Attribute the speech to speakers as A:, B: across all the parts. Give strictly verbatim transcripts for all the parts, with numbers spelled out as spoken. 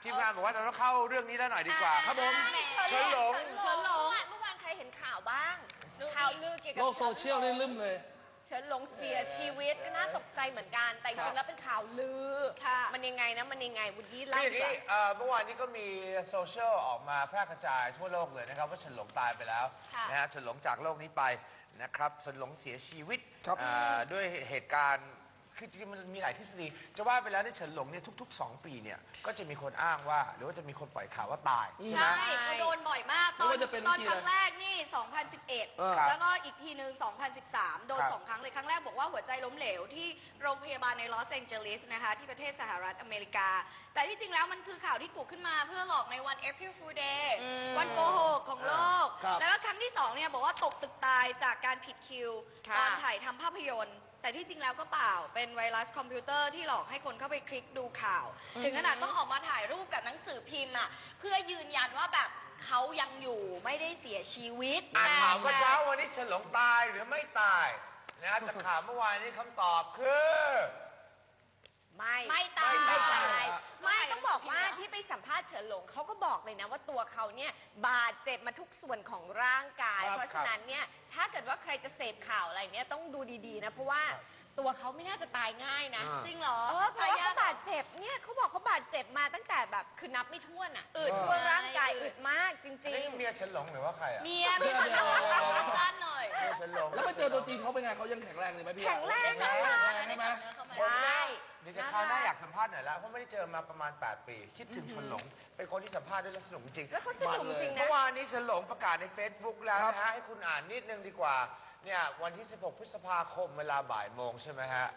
A: ทีมงานบอกว่าเราต้องเข้าเรื่องนี้แล้วหน่อยดีกว่าครับผมเฉินหลง
B: เฉินหลงเมื่อวานใครเห็นข่าวบ้างข่าวลือเกี่ยวกับ
C: โลกโซเชียลนี่ลืมเลย
B: เฉินหลงเสียชีวิตก็น่าตกใจเหมือนกันแต่จริงๆแล้วเป็นข่าวลือมันยังไงนะมันยังไงวุฒิไล่
A: คืออย่าง
B: ดีก
A: นี้
B: ว่า
A: เอ่อเมื่อวานนี้ก็มีโซเชียลออกมาแพร่กระจายทั่วโลกเลยนะครับว่าเฉินหลงตายไปแล้วนะฮะเฉินหลงจากโลกนี้ไปนะครับเฉินหลงเสียชีวิตอ่าด้วยเหตุการณ์คือจริงๆมันมีหลายทฤษฎีจะว่าไปแล้วในเฉินหลงเนี่ยทุกๆสองปีเนี่ยก็จะมีคนอ้างว่าหรือว่าจะมีคนปล่อยข่าวว่าตายใช่ไหม
D: ใช่เขาโดนบ่อยมาก ตอนตอนครั้งแรกนี่ สองพันสิบเอ็ด แล้วก็อีกทีหนึ่งสองพันสิบสาม โดนสองครั้งเลย ครั้งแรกบอกว่าหัวใจล้มเหลวที่โรงพยาบาลในลอสแองเจลิสนะคะ ที่ประเทศสหรัฐอเมริกา แต่ที่จริงแล้วมันคือข่าวที่กุขึ้นมาเพื่อหลอกในวัน April Fool Day วันโกหกของโลก แล้วก็ครั้งที่สองเนี่ยบอกว่าตกตึกตายจากการผิดคิวตอนถ่ายทำภาพยนตร์แต่ที่จริงแล้วก็เปล่า เป็นไวรัสคอมพิวเตอร์ที่หลอกให้คนเข้าไปคลิกดูข่าว ถึงขนาดต้องออกมาถ่ายรูปกับหนังสือพิมพ์อ่ะเพื่อยืนยันว่าแบบเขายังอยู่ไม่ได้เสียชีวิต
A: อ่านข่าวเมื่อเช้าวันนี้เฉินหลงตายหรือไม่ตายนะแต่ข่าวเมื่อวานนี้คำตอบคือ
B: ไม่
D: ไม่ตาย
B: ไม่ตาย
D: ไม่
B: ไม่ต้องบอกว่าที่ไปสัมภาษณ์เฉินหลงเขาก็บอกเลยนะว่าตัวเขาเนี่ยบาดเจ็บมาทุกส่วนของร่างกาย เพราะฉะนั้นเนี่ยถ้าเกิดว่าใครจะเสพข่าวอะไรเนี่ยต้องดูดีๆนะเพราะว่าตัวเขาไม่น่าจะตายง่ายนะ
D: จริงเหรอ
B: เออเพราะว่าเขาบาดเจ็บเนี่ยเขาบอกเขาบาดเจ็บมาตั้งแต่แบบคือนับไม่ถ้วนอ่ะอึดทั่วร่างกายอึดมากจริ
A: นี่
B: ง
A: เมียเฉินหลงหรือว่าใครอ่ะ
D: เมียเมียฉันลงสั้นๆหน่อย
A: เมียเฉินหลง
C: แล้วไปเจอตัวจริงเขาเป็นไงเขายังแข็งแรงเลยไหมพี่
B: แข็งแรง
D: ได้
B: เล
D: จับ
B: ย
D: เนื้อได้จับเนื้อเข้ามา
B: ใช่
A: เดี๋ยวจะคราวหน้าอยากสัมภาษณ์หน่อยแล้วเพราะไม่ได้เจอมาประมาณ แปด ปี คิดถึงเฉินหลงเป็นคนที่สัมภาษณ์ด้วยแล้วสนุกจริง
B: แล้วเขาสนุกจริงนะ
A: เมื่อวานนี้เฉินหลงประกาศใน Facebook แล้วนะฮะให้คุณอ่านนิดนึงดีกว่าเนี่ยวันที่ สิบหก พฤษภาคมเวลาบ่ายโมงใช่ไหมฮะ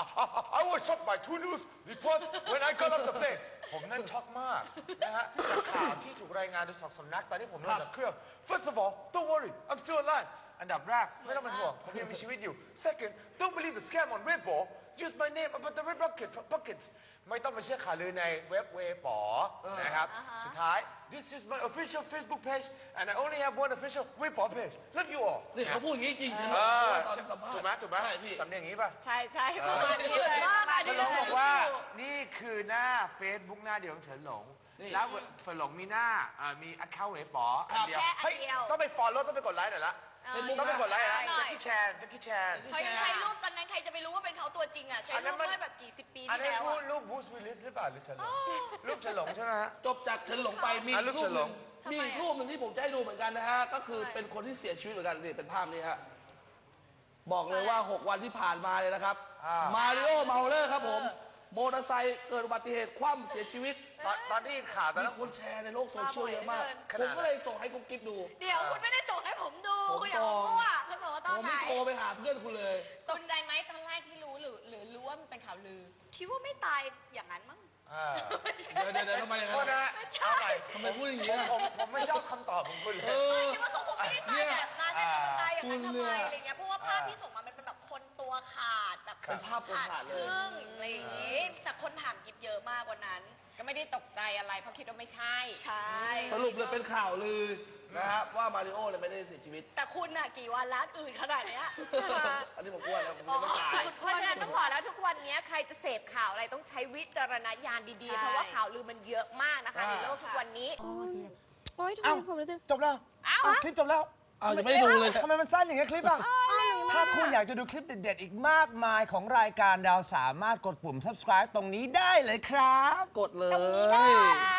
A: I was shocked by two news reports when I got off the plane ผมนั่นช็อกมากนะฮะจากข่าวที่ถูกรายงานโดยสองสำนักตอนที่ผมลงจากเครื่อง First of all don't worry I'm still alive อันดับแรกไม่ต้องเป็นห่วงผมยังมีชีวิตอยู่ Second don't believe the scam on Weibo use my name about the red bucket buckets ไม่ต้องไปเชื่อข่าวลือในเว็บเวปอนะครับสุดท้าย This is my official Facebook page and I only have one official Weibo page love you all
C: นี่เขาพูดอย่างนี้จริงใช่ไหม
A: เออ
C: ตอนสัมภาษณ์
A: ถูกไหมถูกไหม
C: ใช่พี่
A: สำเนียงอย่างนี้ป่ะ
B: ใช่ใช่ประมาณนี้เลยประมาณ
A: เฉิ
B: นี้
A: นห
B: เล
A: ลง
B: ย
A: บอกว่านี่คือหน้า Facebook หน้าเดียวของเฉินหลง แล้วเฉินหลงมีหน้าอ่ามี account เว็บป๋ออันเดียว
D: แค่อัน
A: เฮ้ย
D: เดียว
A: ต้องไป follow ต้องไปกดไลค์หน่อยละ
D: เออ
A: ต้องไปกดไลค์นะ
D: หน่อย
A: แจ็คกี้แชนแจ็คกี้แชน
D: เขายังใช้รูปตอนนั้นใครจะไปรู้ว่าเป็นเขาตัวจริงอ่ะใช้
A: อันนั้
D: รู
A: น
D: ป
A: มัน
D: เมื่อแบบกี่สิบปี
A: อัน
D: ที่
A: นี้
D: แล้ว
A: รูป
D: อะ
A: รูปบูสวิลลิสหรือเปล่าหรือเฉินหลงรูปเฉินหลงใช่ไหมฮะ
C: จบจากเฉินหลงไปมี
A: อ่ะ
C: อี
A: รู
C: ก
A: ป
C: รู
A: เฉิ
C: ป
A: น
C: ห
A: หล
C: นึ่
A: ง
C: งมีอีกรูปหนึ่งที่ผมจะให้ดูเหมือนกันนะฮะก็คือเป็นคนที่เสียชีวิตเหมือนกันนี่เป็นภาพนี้ฮะบอกเลยว่าหกวันที่ผ่านมาเลยนะครับมาริโอเมาเลอร์ครับผมมอเตอร์ไซค์เกิดอุบัติเหตุคว่ำเสียชีวิต
A: ตอนตอนที่ข่าวตอน
C: มี
A: นั้น
C: คนแชร์ในโลกโซเชียลเยอะมาก
A: ขนาด
C: ผมก็เลยส่งให้กุ๊กกิ๊บดู
D: เดี๋ยวคุณไม่ได้ส่งให้ผมดู
C: ผม
D: คุณอย่า
C: ส่
D: มาง มั่วคุณบอกว่าต
C: ผ
D: อน
C: ม
D: ไหน
C: ไม่โทรไปหาเพื่อนคุณเลย
B: ตกใจไหมตอนแรกที่รู้หรือหรือรู้ว่ามันเป็นข่าวลือ
D: คิดว่าไม่ตายอย่างนั้นมั้ง
A: อ่า
C: เดี๋ยวเดี๋ยวเดี๋ยวทำไมอย่าง
A: โท
C: นั้
A: ษ
C: น
A: นะฮะเอาใหม่
C: ทำไมพูดอย่าง
A: ผ
C: นี้
A: ม
C: อะ
A: ผมผมไม่ชอบคำตอบของคุณเล
C: เอย อ
D: คิดว่าเขาคงไม่ได้ตายแบบนั้นน่าจะมาตายอย่างนั้นทำไม
C: คุณเนี่ย
D: อะไรเงี้ยเพราะว่าภาพที่ส่งมามันเป็นแบบคนตัวขาดแบบ
C: เป็นภาพคนขาดเลย
D: ครึ่งอะไรอย่างงี้แต่คนถามกิบเยอะมากกว่านั้น
B: ก็ไม่ได้ตกใจอะไรเพราะคิดว่าไม่ใช่
D: ใช่
C: สรุปเลยเป็นข่าวลือนะครับว่ามาริโอเนี่ยไม่ได้เสียชีวิต
D: แต่คุณน่ะกี่วันล้านอื่นขนาดเนี้ย
C: อันนี้ผมอ้วนแล้วผมยังไม่ตาย
B: เพราะฉะนั้นต้องบอกแล้วทุกวันนี้ใครจะเสพข่าวอะไรต้องใช้วิจารณญาณดีๆ เพราะว่าข่าวลือมันเยอะมากนะคะ
C: อ่า
B: ในโลกทุกวันนี้
E: โอ๊ยทำไมผมรู้สึก
F: จบแล้ว
B: เอ้า
F: อ่ะคลิปจบแล้ว
C: เอายังไม่ได้ดูเลย
F: ทำไมมันสั้นอย่างเงี้ยคลิปอ่ะ ถ้าคุณอยากจะดูคลิปเด็ดๆ อีกมากมายของรายการดาวสามารถกดปุ่ม subscribe ตรงนี้ได้เลยครับ
C: กดเลย
B: ค่ะ